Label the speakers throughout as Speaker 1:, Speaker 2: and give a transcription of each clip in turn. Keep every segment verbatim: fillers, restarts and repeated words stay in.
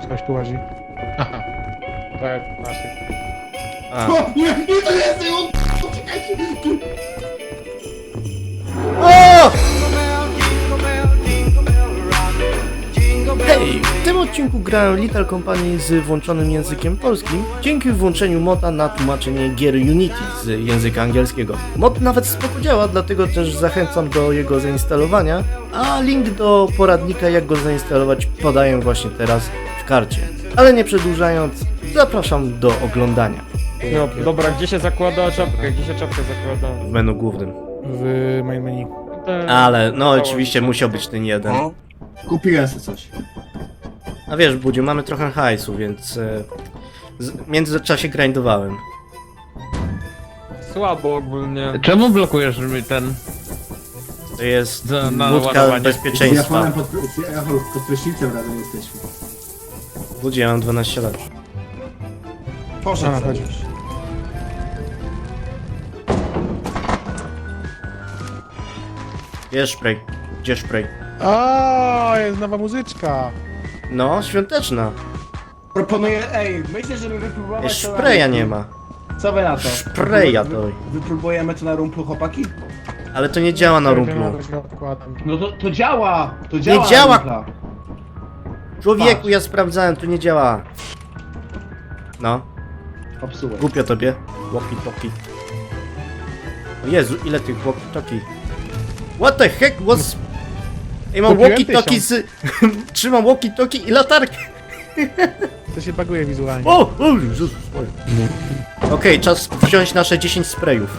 Speaker 1: Coś tu łazi. Aha. To jak naszych.
Speaker 2: A.
Speaker 3: O, nie, nie, to jest on! Czekajcie!
Speaker 2: O! Hej! W tym odcinku grałem Little Company z włączonym językiem polskim dzięki włączeniu moda na tłumaczenie gier Unity z języka angielskiego. Mod nawet spoko działa, dlatego też zachęcam do jego zainstalowania, a link do poradnika jak go zainstalować podaję właśnie teraz w karcie. Ale nie przedłużając, zapraszam do oglądania.
Speaker 4: No, dobra, gdzie się zakłada czapkę? Gdzie się czapkę zakłada?
Speaker 2: W menu głównym.
Speaker 1: W main menu.
Speaker 4: Te-
Speaker 2: Ale no oczywiście musiał być ten jeden.
Speaker 3: Kupiłem sobie coś.
Speaker 2: A wiesz, Budziu, mamy trochę hajsu, więc e, z, w międzyczasie grindowałem.
Speaker 4: Słabo ogólnie.
Speaker 5: Czemu blokujesz mi ten?
Speaker 2: To jest
Speaker 5: Za- na
Speaker 2: budka
Speaker 5: ładowanie.
Speaker 3: Z
Speaker 2: bezpieczeństwa.
Speaker 3: Japonem pod, z Japonem pod prysznicem razem jesteśmy.
Speaker 2: Budziu, ja mam dwanaście lat.
Speaker 3: Poszedł
Speaker 1: A,
Speaker 3: sobie
Speaker 1: chodź.
Speaker 3: już.
Speaker 2: Gdzie spray? Gdzie spray?
Speaker 1: A, jest nowa muzyczka.
Speaker 2: No, świąteczna.
Speaker 3: Proponuję, ej, myślę, żeby wypróbować
Speaker 2: Jest
Speaker 3: to na
Speaker 2: spraya
Speaker 3: rumplu.
Speaker 2: nie ma.
Speaker 3: Co wy na to?
Speaker 2: Spraya
Speaker 3: Wy-
Speaker 2: to.
Speaker 3: wy- Wypróbujemy to na rumplu, chłopaki?
Speaker 2: Ale to nie działa na rumplu.
Speaker 1: Odkładam.
Speaker 3: No to, to działa! To działa na
Speaker 2: działa!
Speaker 3: rumpla.
Speaker 2: Człowieku,
Speaker 3: Patrz.
Speaker 2: ja sprawdzałem, to nie działa. No,
Speaker 3: Popsułem.
Speaker 2: głupio tobie. Walkie talkie. O Jezu, ile tych walkie talkie. What the heck was... Ej, mam
Speaker 1: Kupiłem
Speaker 2: walkie talkie z... Trzymam walkie talkie i latarkę.
Speaker 1: To się baguje wizualnie.
Speaker 2: O! O Jezus Maria. Okej, czas wziąć nasze dziesięć sprayów.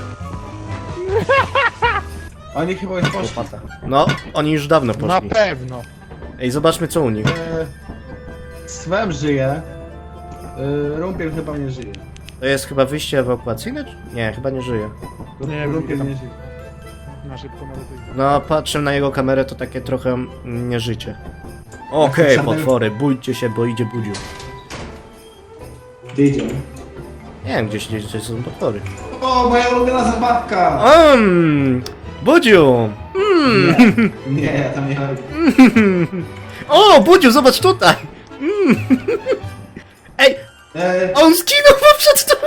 Speaker 3: Oni chyba już poszli.
Speaker 2: No, oni już dawno
Speaker 1: Na
Speaker 2: poszli.
Speaker 1: pewno.
Speaker 2: Ej, zobaczmy co u nich.
Speaker 3: E, Swem żyje. E, Rumpiel chyba nie żyje.
Speaker 2: To jest chyba wyjście ewakuacyjne? czy- Nie, chyba nie żyje.
Speaker 1: Nie wiem,
Speaker 3: Rumpiel
Speaker 1: tam-
Speaker 3: nie żyje.
Speaker 1: Na szybko medytuj.
Speaker 2: No, patrzę na jego kamerę, to takie trochę mm, nieżycie. Okej,
Speaker 3: Żadnego-
Speaker 2: potwory, bójcie się, bo idzie Budziu.
Speaker 3: Gdzie idziemy?
Speaker 2: Nie wiem, gdzieś, gdzieś, gdzieś są potwory.
Speaker 3: O, moja ulubiona zabawka!
Speaker 2: Um, Budziu! Mm.
Speaker 3: Nie, nie, ja tam nie chodzi.
Speaker 2: O, Budziu, zobacz tutaj! Mm. Ej,
Speaker 3: E,
Speaker 2: on zginął, bo przed to...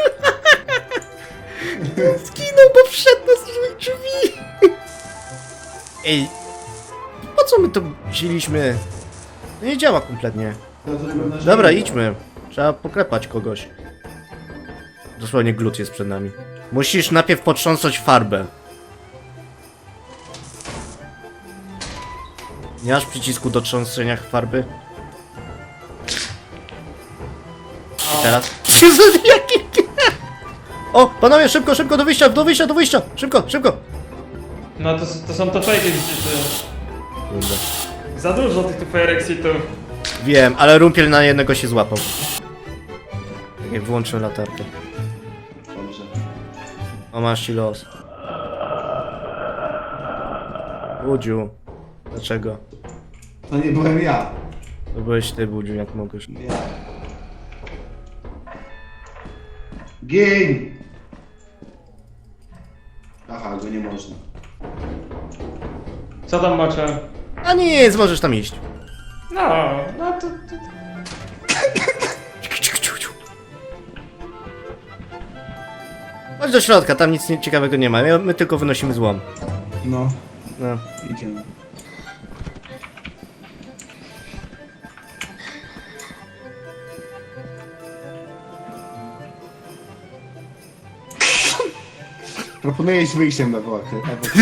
Speaker 2: Zginął, bo wszedł na złych drzwi! Ej, po co my to wzięliśmy? To nie działa kompletnie.
Speaker 3: to zrobił nasz
Speaker 2: Dobra,
Speaker 3: video.
Speaker 2: idźmy. Trzeba poklepać kogoś. Dosłownie glut jest przed nami. Musisz najpierw potrząsnąć farbę. Nie masz przycisku do trząsenia farby? I teraz... Jaki... O, panowie, szybko, szybko, do wyjścia, do wyjścia, do wyjścia! Szybko, szybko!
Speaker 4: No to, to są to fake exity.
Speaker 2: Kurde.
Speaker 4: Za dużo tych tu fire exitów.
Speaker 2: Wiem, ale rumpiel na jednego się złapał. Tak jak wyłączył latarkę.
Speaker 3: Dobrze.
Speaker 2: O, masz ci los. Budziu. Dlaczego?
Speaker 3: To nie byłem ja.
Speaker 2: To byłeś ty, Budziu, jak mogłeś.
Speaker 3: Nie. Gin! Aha, go nie można.
Speaker 4: Co tam macie?
Speaker 2: A nic, możesz tam iść.
Speaker 4: No, no to... to...
Speaker 2: Chodź do środka, tam nic nie- ciekawego nie ma. My, my tylko wynosimy złom.
Speaker 3: No,
Speaker 2: No.
Speaker 3: idziemy. Proponuję iść wyjściem na wołach.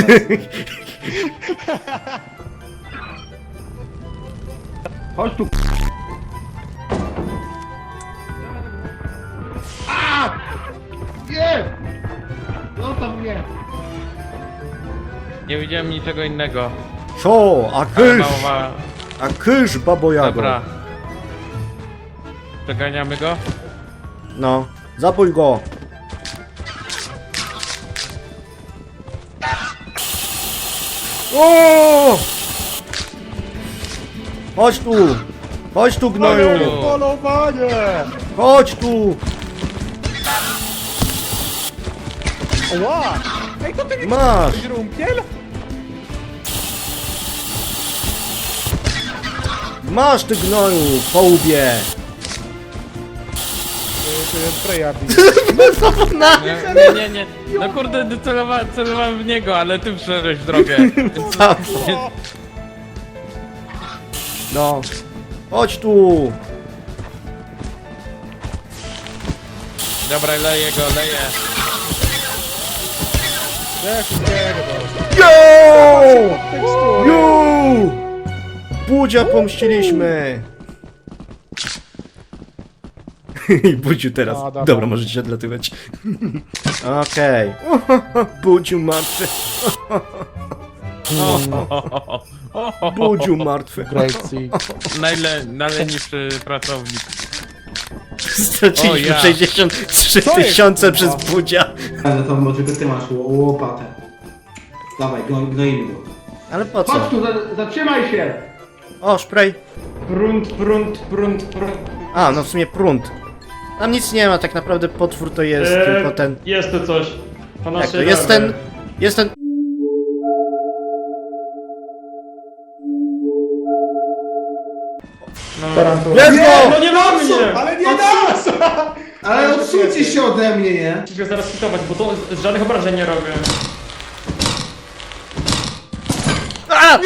Speaker 3: Chodź tu. A! Nie! No tam nie.
Speaker 5: Nie widziałem niczego innego.
Speaker 2: Co? A
Speaker 5: Ale
Speaker 2: kysz!
Speaker 5: mało ma...
Speaker 2: A kysz, babo jago.
Speaker 5: Dobra. Przeganiamy go?
Speaker 2: No, zabój go. O! Chodź tu! Chodź tu, gnoju!
Speaker 1: Polowanie!
Speaker 2: Chodź tu!
Speaker 1: Ła! Ej, to ty nie
Speaker 2: Masz!
Speaker 1: jesteś rumpiel?
Speaker 2: Masz ty, gnoju! Po łbie!
Speaker 1: sobie spraya bije.
Speaker 2: Na...
Speaker 5: Nie, nie, nie, nie. No kurde, celowa, celowałem w niego, ale ty wszedłeś w drogę. Więc...
Speaker 2: No. Chodź tu!
Speaker 5: Dobra, leję go, leję.
Speaker 1: Ja wszystkiego to.
Speaker 2: Yo!
Speaker 1: Tekstury.
Speaker 2: Yo! Budzia pomściliśmy! I Budziu teraz.
Speaker 1: A, dobra.
Speaker 2: Dobra, możecie się odlatywać. Okej. Budziu martwy. Budziu martwy.
Speaker 1: Great Sea.
Speaker 5: Najle, najlenniejszy pracownik.
Speaker 2: Straciliśmy
Speaker 5: O, ja.
Speaker 2: sześćdziesiąt trzy
Speaker 1: Co jest,
Speaker 2: tysiące
Speaker 1: kurwa?
Speaker 2: przez Budzia.
Speaker 3: Ale to może tylko ty masz ło- łopatę. Dawaj, gno, gnoimy go.
Speaker 2: Ale po co?
Speaker 3: Chodź tu, za- zatrzymaj się!
Speaker 2: O, spray.
Speaker 3: Prunt, prunt, prunt, prunt.
Speaker 2: A, no w sumie prąd. Tam nic nie ma, tak naprawdę potwór to jest
Speaker 4: Eee,
Speaker 2: tylko ten...
Speaker 4: Jest to coś. Po
Speaker 2: Jak to?
Speaker 4: naszej
Speaker 2: Jest
Speaker 4: lewej.
Speaker 2: ten... Jest ten...
Speaker 4: No.
Speaker 1: Tarantura.
Speaker 2: Let's
Speaker 4: No
Speaker 2: go!
Speaker 4: nie ma mnie!
Speaker 3: Ale nie nas! Ale odsuńcie się ode mnie, nie?
Speaker 4: Musisz go zaraz hitować, bo to z żadnych obrażeń nie robię.
Speaker 2: A!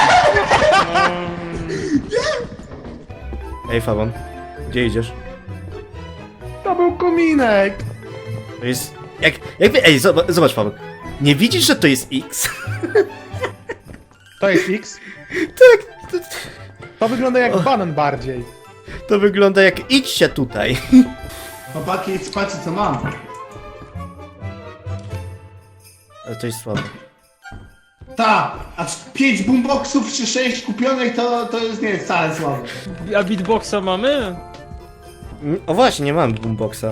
Speaker 2: Ej, Fawon. Gdzie idziesz?
Speaker 1: To był kominek.
Speaker 2: To jest... Jak... Jakby... Ej, zobacz, zobacz Fawon. Nie widzisz, że to jest X?
Speaker 1: To jest X.
Speaker 2: Tak, to,
Speaker 1: To wygląda jak banan bardziej.
Speaker 2: to wygląda jak idźcie tutaj.
Speaker 3: Chłopaki, patrzcie co mam.
Speaker 2: Ale to jest słabe.
Speaker 3: Ta, a pięć boomboxów czy sześć kupionych to, to jest nie jest wcale słabe.
Speaker 4: A beatboxa mamy?
Speaker 2: Mm, O właśnie, nie mam boomboxa.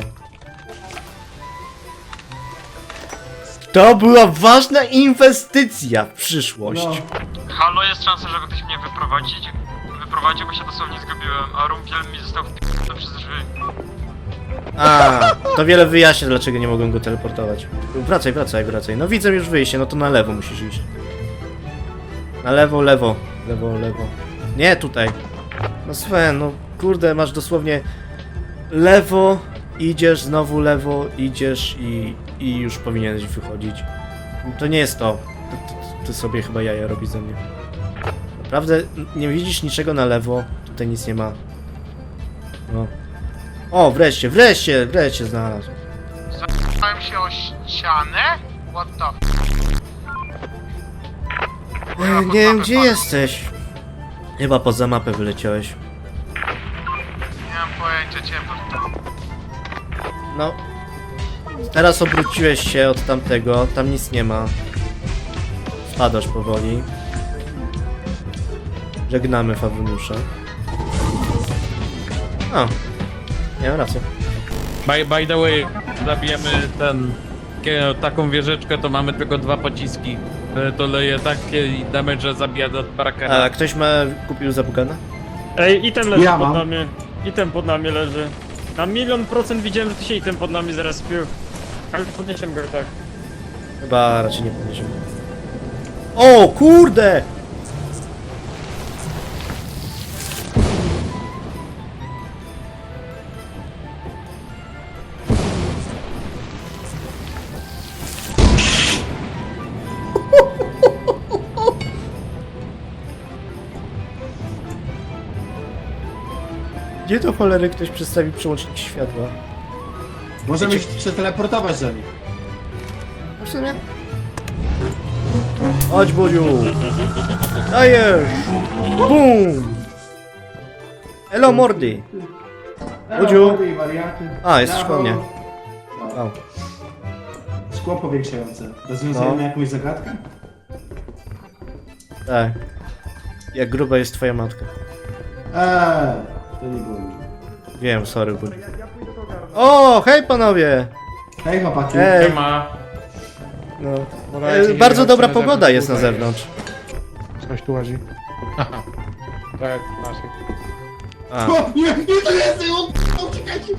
Speaker 2: To była ważna inwestycja w przyszłość.
Speaker 3: No.
Speaker 6: Halo, jest szansa, żeby ktoś mnie wyprowadzić? Wyprowadził, bo się dosłownie zgubiłem, a rumpiel mi został wpierdolony przez drzwi.
Speaker 2: A, to wiele wyjaśnia, dlaczego nie mogłem go teleportować. Wracaj, wracaj, wracaj. No widzę już wyjście, no to na lewo musisz iść. Na lewo, lewo, lewo, lewo. Nie, tutaj. No Sven, no kurde, masz dosłownie lewo, idziesz, znowu lewo, idziesz i, i już powinieneś wychodzić. To nie jest to. Ty, ty, ty sobie chyba jaja robisz ze mnie. Naprawdę nie widzisz niczego na lewo, tutaj nic nie ma. No. O, wreszcie, wreszcie, wreszcie znalazł.
Speaker 6: Zapałem się o ścianę? What the
Speaker 2: E, nie wiem, gdzie jesteś. Chyba poza mapę wyleciałeś.
Speaker 6: Nie mam pojęcia, ciemno.
Speaker 2: No. Teraz obróciłeś się od tamtego, tam nic nie ma. Spadasz powoli. Żegnamy Fawuniusza. A. Miałem rację.
Speaker 5: By, by the way, zabijemy ten... kie- taką wieżyczkę, to mamy tylko dwa pociski. E, To leje takie damage, że zabija do Parakera.
Speaker 2: A ktoś ma kupił Zabugana?
Speaker 4: Ej, item leży
Speaker 3: Ja
Speaker 4: pod
Speaker 3: mam.
Speaker 4: nami. Item pod nami leży. Na milion procent widziałem, że tu się item pod nami zrespił. Ale podniesiemy go i tak.
Speaker 2: Chyba raczej nie podniesiemy. O, kurde! Gdzie to cholery ktoś przedstawi przełącznik światła?
Speaker 3: Możemy się przeteleportować do nich.
Speaker 2: No w sumie? Chodź, Budziu! Dajesz! Bum! Elo, mordy! Budziu! A, jesteś po mnie. O.
Speaker 3: Szkło powiększające. Rozwiązujemy
Speaker 2: No.
Speaker 3: jakąś zagadkę?
Speaker 2: Tak. Jak gruba jest twoja matka.
Speaker 3: Eee, to nie było już.
Speaker 2: Wiem, sorry, Budziu. O, hej panowie!
Speaker 3: Hej chłopaki.
Speaker 2: Hej!
Speaker 5: Ma.
Speaker 2: No.
Speaker 1: Uważajcie,
Speaker 2: E,
Speaker 1: nie
Speaker 2: bardzo
Speaker 1: chodźcie
Speaker 2: dobra
Speaker 1: na
Speaker 2: pogoda
Speaker 1: zewnątrz,
Speaker 2: jest na
Speaker 1: tutaj.
Speaker 2: zewnątrz.
Speaker 1: Coś tu łazi. Tak, naszych.
Speaker 2: A.
Speaker 3: O, nie, nie, to jest! O, o, czekajcie!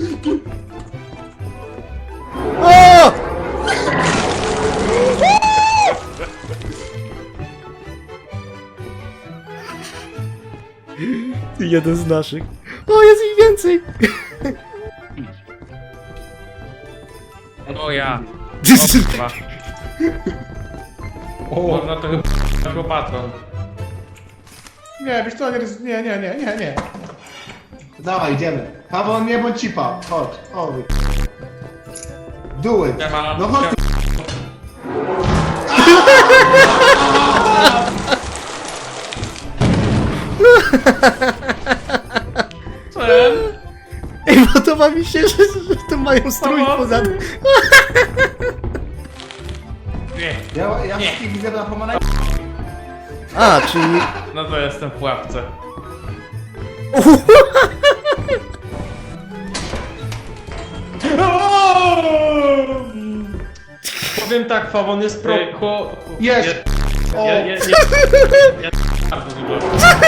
Speaker 2: O! Jeden z naszych. O, jest ich więcej!
Speaker 5: ja. O,
Speaker 3: O,
Speaker 5: Można to chyba łopatą.
Speaker 1: Nie, wiesz co, nie, nie, nie, nie, nie, nie.
Speaker 3: dawaj, idziemy. Paweł, nie bądź cipa. Chodź, chodź. Do it.
Speaker 5: Nie ma-
Speaker 3: No chodź.
Speaker 2: Ej, podoba mi się, że, że to mają strój poza...
Speaker 5: Nie.
Speaker 3: Ja, ja wszystkich widzę na pomarańczy.
Speaker 2: A, czyli...
Speaker 5: No to jestem w pułapce.
Speaker 4: Powiem tak, Fawon jest pro...
Speaker 5: Ej, ku...
Speaker 3: Jest.
Speaker 5: Ja, ja, ja, ja, ja bardzo dużo.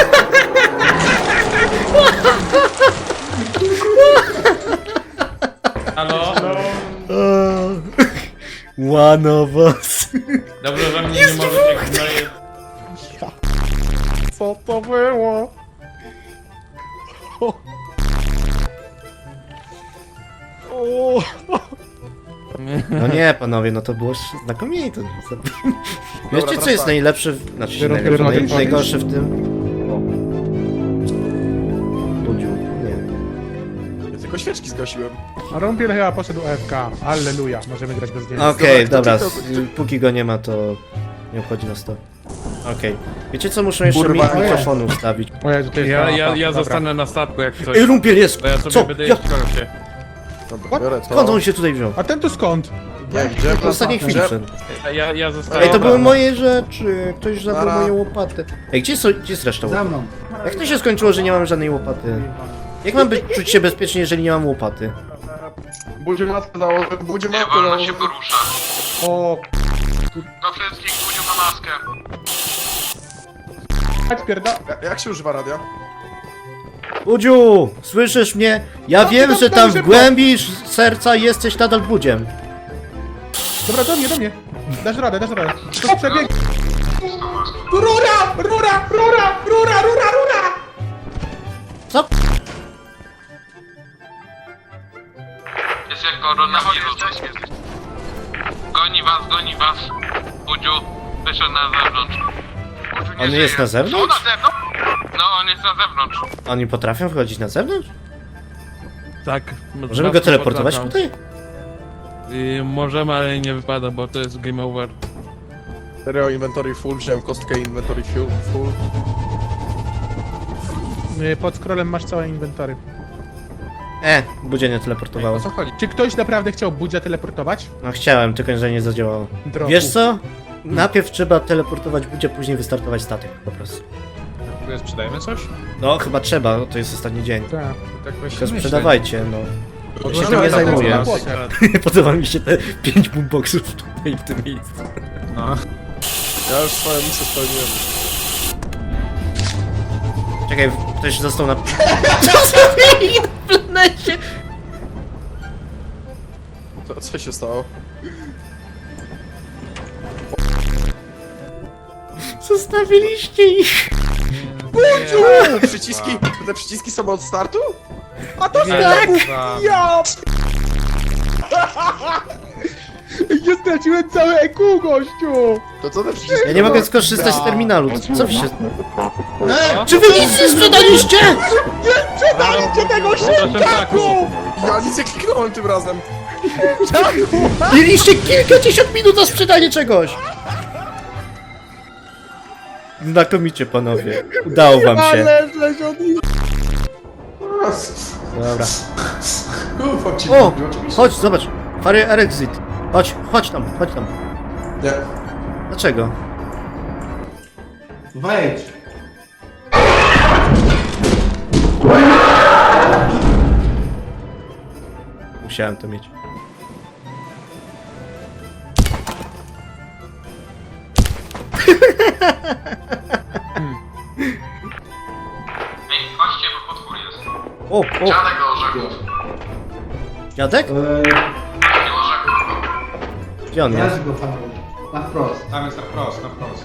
Speaker 5: Halo?
Speaker 2: One of us.
Speaker 5: Dobrze, że mnie nie możecie gnoje...
Speaker 1: Co to było? O.
Speaker 2: No nie, panowie, no to było znakomite. Wiecie, co jest najlepsze, w... znaczy
Speaker 1: Biorą
Speaker 2: najlepsze,
Speaker 1: kierownicę.
Speaker 2: naj, najgorsze w tym? Budziu, nie.
Speaker 7: Ja tylko świeczki zgasiłem.
Speaker 1: A Rumpiel chyba poszedł A F K. Alleluja, możemy grać bez niego.
Speaker 2: Okej,
Speaker 7: Dobra,
Speaker 2: dobra,
Speaker 7: kto-
Speaker 2: s- póki go nie ma, to nie obchodzi nas to. Okej. Wiecie co, muszę jeszcze
Speaker 7: Kurwa,
Speaker 2: mi
Speaker 7: nie.
Speaker 2: mikrofonu ustawić.
Speaker 1: O Jezu, to jest
Speaker 5: Ja,
Speaker 1: mapa.
Speaker 5: ja, ja
Speaker 1: Dobra.
Speaker 5: zostanę na statku jak coś.
Speaker 2: Ej, rumpiel jest!
Speaker 5: Bo ja sobie
Speaker 2: Co?
Speaker 5: będę
Speaker 2: Ja...
Speaker 5: jeść kolosie.
Speaker 7: Dobra, biorę to.
Speaker 2: Skąd on się tutaj wziął?
Speaker 1: A ten tu skąd?
Speaker 7: Nie, gdzie?
Speaker 2: W ostatniej chwili
Speaker 7: Gdzie?
Speaker 2: wszedł.
Speaker 5: Ja, ja zostaję...
Speaker 2: Ej, to były moje rzeczy. Ktoś zabrał
Speaker 7: Nara.
Speaker 2: moją łopatę. Ej, gdzie, są, gdzie jest reszta
Speaker 3: Za
Speaker 2: łopaty?
Speaker 3: mną.
Speaker 2: Jak to się skończyło, że nie mam żadnej łopaty? Jak mam być, czuć się bezpiecznie, jeżeli nie mam łopaty?
Speaker 7: Budziu matkę założę, budziu
Speaker 6: Nie
Speaker 7: matkę
Speaker 6: wolno się
Speaker 7: założę.
Speaker 6: poruszać.
Speaker 1: O,
Speaker 6: Do wszystkich budził na maskę.
Speaker 1: chodź pierda...
Speaker 7: Ja- Jak się używa radia?
Speaker 2: Budziu! Słyszysz mnie? Ja
Speaker 1: No,
Speaker 2: wiem,
Speaker 1: tam,
Speaker 2: że
Speaker 1: tam
Speaker 2: tam w
Speaker 1: szybko.
Speaker 2: głębi serca jesteś nadal budziem.
Speaker 1: Dobra, do mnie, do mnie. Dasz radę, dasz radę. To przebieg... Rura! Rura! Rura! Rura! Rura! Rura!
Speaker 2: Co?
Speaker 6: Jest jak koronawirus. Goni was, goni was. Budziu, wyszedł na zewnątrz. Budziu nie
Speaker 2: On
Speaker 6: żyje.
Speaker 2: jest na zewnątrz?
Speaker 6: O, na zewnątrz? No, on jest na zewnątrz.
Speaker 2: Oni potrafią wchodzić na zewnątrz?
Speaker 5: Tak.
Speaker 2: Możemy go teleportować tutaj?
Speaker 5: Y, możemy, ale nie wypada, bo to jest game over.
Speaker 7: Stereo inventory full, wziąłem kostkę inventory full. full.
Speaker 1: Y, Pod scrollem masz całe inwentory.
Speaker 2: E, budzie nie
Speaker 7: O
Speaker 2: teleportowało.
Speaker 7: co chodzi?
Speaker 1: Czy ktoś naprawdę chciał Budzia teleportować?
Speaker 2: No chciałem, tylko że nie zadziałało.
Speaker 1: Drogu.
Speaker 2: Wiesz co? Najpierw trzeba teleportować budzie, później wystartować statek po prostu.
Speaker 7: Sprzedajemy coś?
Speaker 2: No chyba trzeba, to jest ostatni dzień.
Speaker 1: Tak.
Speaker 7: Tak
Speaker 2: Tylko sprzedawajcie, no. Ja się
Speaker 1: No,
Speaker 2: tym nie
Speaker 1: no,
Speaker 2: zajmuję.
Speaker 1: no, no,
Speaker 2: Podoba mi się te pięć boomboxów tutaj w tym miejscu.
Speaker 7: Ja już swoją misję spełniłem.
Speaker 2: Czekaj, ktoś został na... Co zrobili na planecie?
Speaker 7: Co, co się stało?
Speaker 2: Zostawiliście ich.
Speaker 7: Eee, przyciski, te przyciski są od startu?
Speaker 1: A to
Speaker 5: Nie,
Speaker 1: tak!
Speaker 5: za-
Speaker 1: Ja! Ja straciłem całe E Q, gościu!
Speaker 7: To co te przyciski?
Speaker 2: Ja nie mogę skorzystać z terminalu. Co, co wy się...
Speaker 3: E,
Speaker 2: Czy wy nic nie sprzedaliście?
Speaker 1: Sprzedajcie tego
Speaker 5: Proszę
Speaker 1: szybkaku!
Speaker 7: Ja nic nie kliknąłem tym razem.
Speaker 2: Mieliście kilkadziesiąt minut na sprzedanie czegoś. Znakomicie, panowie. Udało wam się.
Speaker 1: Ale żeś od nich...
Speaker 2: Dobra.
Speaker 7: Ufam ci,
Speaker 2: O!
Speaker 7: Budziu, oczywiście.
Speaker 2: Chodź, zobacz. Fary Exit. Chodź, chodź tam, chodź tam.
Speaker 7: Nie.
Speaker 2: Dlaczego?
Speaker 3: Wejdź.
Speaker 2: Musiałem to mieć.
Speaker 6: Ej, chodźcie, bo potwór jest.
Speaker 2: O, o,
Speaker 6: Dziadek do orzechów.
Speaker 2: dziadek?
Speaker 3: E,
Speaker 6: Nie orzechów.
Speaker 2: Gdzie on jest?
Speaker 3: ja go Paweł. Na wprost.
Speaker 8: Tam jest na wprost, na wprost.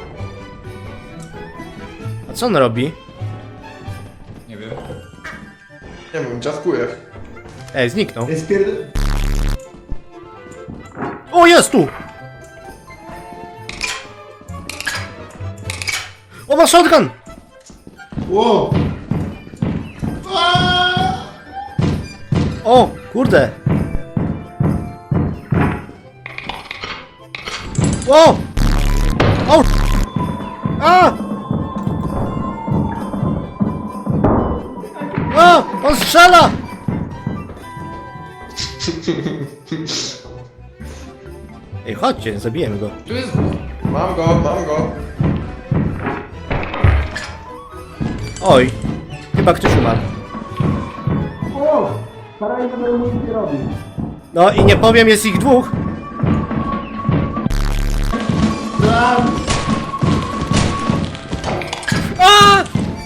Speaker 2: A co on robi?
Speaker 8: Nie wiem.
Speaker 7: Nie wiem, dziadkuję.
Speaker 2: Ej, zniknął.
Speaker 3: Jest pierd...
Speaker 2: O, jest tu! O, ma shotgun!
Speaker 3: Ło!
Speaker 2: O, kurde! O! O! A! A! On strzela! Ej, chodźcie, zabijemy go.
Speaker 8: Tu jest... Mam go, mam go.
Speaker 2: Oj, chyba ktoś umarł. No i nie powiem, jest ich dwóch. A!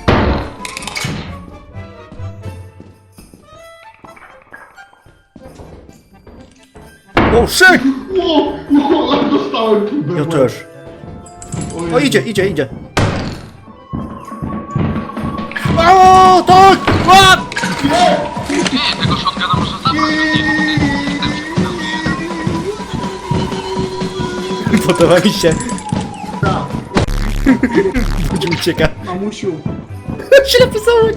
Speaker 2: O, shit!
Speaker 3: Ło! Ło! Ale dostałem kibę.
Speaker 2: Ja też. O, idzie, idzie, idzie. O, tak! A!
Speaker 6: Nie, tego shotguna można zabrać.
Speaker 2: Podoba mi się. Budzi ucieka.
Speaker 3: Mamusiu.
Speaker 2: Ślepy załek.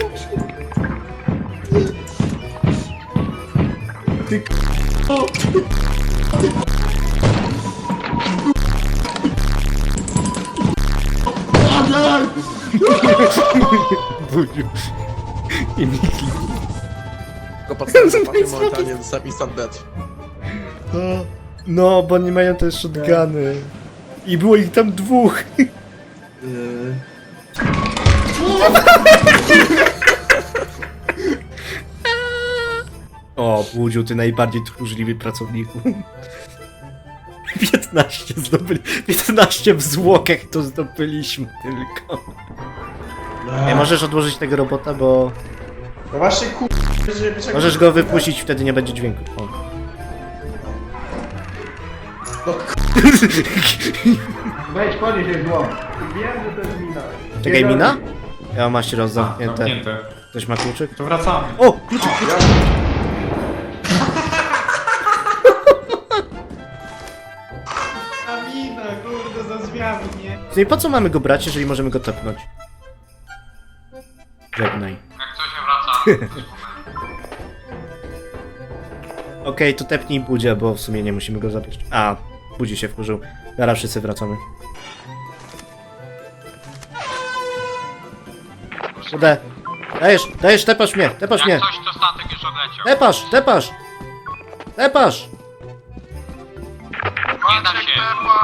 Speaker 2: Budziu. I Miki.
Speaker 7: Tylko patrzę, patrzę momentalnie dostałem instant death.
Speaker 2: No, bo nie mają też shotguny. I było ich tam dwóch. O, Budziu, ty najbardziej tchórzliwy pracowniku. piętnaście zdobyli. piętnaście w zwłokach to zdobyliśmy tylko. Nie możesz odłożyć tego robota, bo
Speaker 8: No właśnie kur...
Speaker 2: możesz go wypuścić, wtedy nie będzie dźwięku. O.
Speaker 3: Weź, podnieś jej zło.
Speaker 2: Czekaj, mina? Ja mam się rozzamknięte.
Speaker 8: Zamknięte.
Speaker 2: Ktoś ma kluczyk?
Speaker 8: To wracamy.
Speaker 2: O, kluczyk!
Speaker 8: Amina, kurde, za zwiadnie.
Speaker 2: No i po co mamy go brać, jeżeli możemy go tepnąć? Żegnaj.
Speaker 6: Jak coś się wraca.
Speaker 2: Okej, to tepnij Budzia, bo w sumie nie musimy go zabrać. A, Budzi się wkurzył. Zaraz wszyscy wracamy. Ude. Dajesz, dajesz, tepasz mnie, tepasz mnie.
Speaker 6: Jak coś, to statek już odleciał.
Speaker 2: Tepasz, tepasz! Tepasz!
Speaker 6: Nie da się.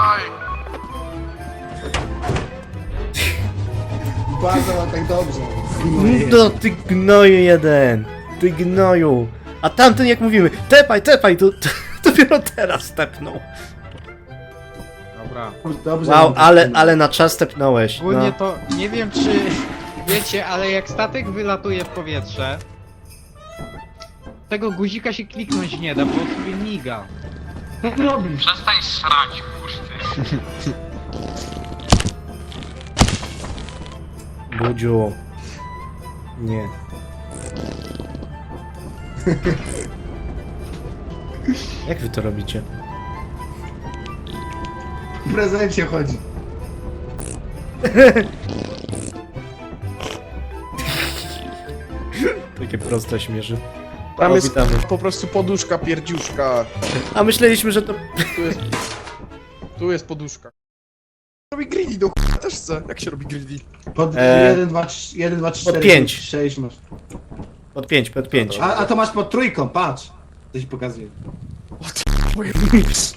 Speaker 3: Bardzo ma tak dobrze.
Speaker 2: No ty gnoju jeden! Ty gnoju! A tamten jak mówimy, tepaj, tepaj, to, to dopiero teraz tepnął.
Speaker 9: Dobra.
Speaker 3: Dobrze.
Speaker 2: Wow, ale, ale na czas tepnąłeś.
Speaker 9: Ogólnie
Speaker 2: No.
Speaker 9: to nie wiem czy wiecie, ale jak statek wylatuje w powietrze, tego guzika się kliknąć nie da, bo sobie miga.
Speaker 6: Przestań srać, puszty.
Speaker 2: Budziu. Nie. Jak wy to robicie?
Speaker 3: W prezencie chodzi.
Speaker 2: Takie proste śmierzy.
Speaker 7: Tam
Speaker 2: O,
Speaker 7: jest
Speaker 2: witamy.
Speaker 7: po prostu poduszka, pierdziuszka.
Speaker 2: A myśleliśmy, że to...
Speaker 7: Tu jest... Tu jest poduszka. Robi greedy do ch**a, też chcę. Jak się robi greedy?
Speaker 3: Pod
Speaker 2: E,
Speaker 3: jeden, dwa, trzy, jeden, dwa, trzy,
Speaker 2: pod
Speaker 3: cztery,
Speaker 2: pięć.
Speaker 3: pięć, sześć masz.
Speaker 2: Pod pięć, pod pięć.
Speaker 3: A, a to masz pod trójką, patrz. To ci pokazuję.